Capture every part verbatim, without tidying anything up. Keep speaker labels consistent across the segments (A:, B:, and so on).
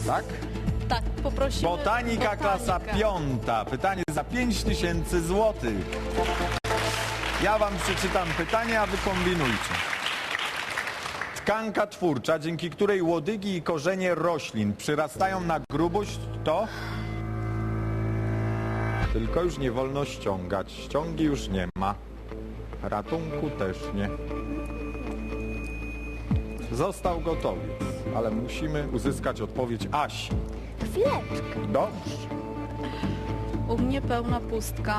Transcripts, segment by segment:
A: Tak?
B: Tak, poprosimy.
A: Botanika, klasa piąta. Pytanie za pięć tysięcy złotych. Ja wam przeczytam pytanie, a wy kombinujcie. Tkanka twórcza, dzięki której łodygi i korzenie roślin przyrastają na grubość, to... Tylko już nie wolno ściągać. Ściągi już nie ma. Ratunku też nie. Został gotowiec, ale musimy uzyskać odpowiedź Asi.
C: Chwileczkę.
A: Dobrze.
B: U mnie pełna pustka.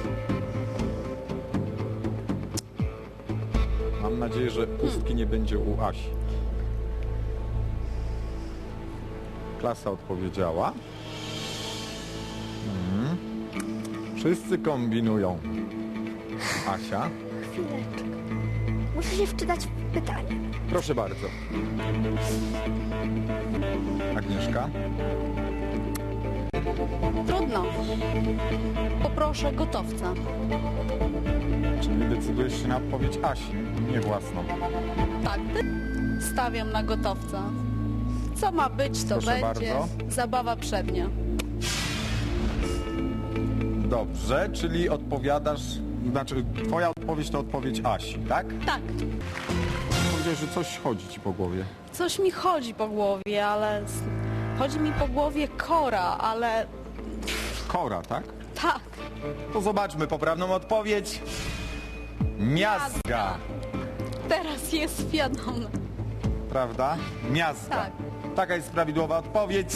A: Mam nadzieję, że pustki nie będzie u Asi. Klasa odpowiedziała. Mhm. Wszyscy kombinują. Asia,
C: Chwileczkę. Muszę się wczytać w pytanie.
A: proszę bardzo. Agnieszka.
B: Trudno. Poproszę gotowca.
A: Czyli decydujesz się na odpowiedź Asi, nie własną.
B: Tak, stawiam na gotowca. Co ma być, to
A: Proszę
B: będzie.
A: bardzo.
B: Zabawa przednia.
A: Dobrze, czyli odpowiadasz, znaczy twoja odpowiedź to odpowiedź Asi, tak?
B: Tak,
A: Powiedziałeś, że coś chodzi ci po głowie.
B: coś mi chodzi po głowie, ale... s- Chodzi mi po głowie kora, ale...
A: Kora, tak?
B: Tak.
A: To zobaczmy poprawną odpowiedź. Miazga,
B: Teraz jest wiadome.
A: prawda? Miazga.
B: Tak.
A: Taka jest prawidłowa odpowiedź.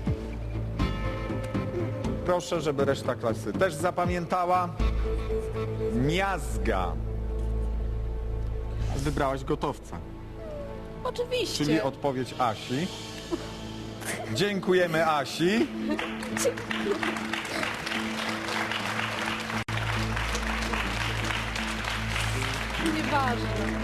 A: Proszę, żeby reszta klasy też zapamiętała. Miazga. Wybrałaś gotowca,
B: Oczywiście.
A: czyli odpowiedź Asi. Dziękujemy Asi.
B: Nieważne.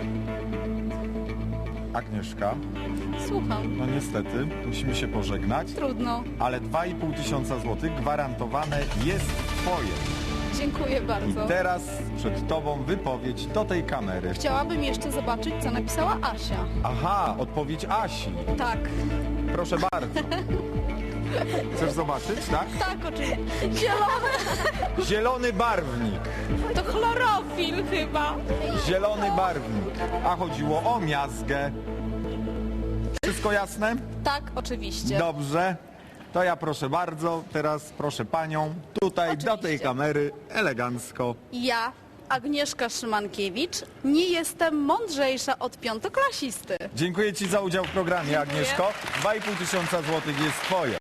A: Agnieszka,
B: Słucham.
A: no niestety, musimy się pożegnać,
B: Trudno.
A: ale dwa i pół tysiąca złotych gwarantowane jest twoje.
B: Dziękuję
A: I
B: bardzo.
A: teraz przed tobą wypowiedź do tej kamery.
B: Chciałabym jeszcze zobaczyć, co napisała Asia.
A: Aha, odpowiedź Asi.
B: Tak.
A: Proszę bardzo. Chcesz zobaczyć, tak?
B: Tak, oczywiście. Zielony.
A: Zielony barwnik.
B: To chlorofil chyba.
A: Zielony barwnik. A chodziło o miazgę. Wszystko jasne?
B: Tak, oczywiście.
A: Dobrze. To ja proszę bardzo, teraz proszę panią tutaj do tej
B: Oczywiście.
A: kamery elegancko.
B: Ja, Agnieszka Szymankiewicz, nie jestem mądrzejsza od piątoklasisty.
A: Dziękuję ci za udział w programie, Agnieszko. dwa i pół tysiąca złotych jest twoje.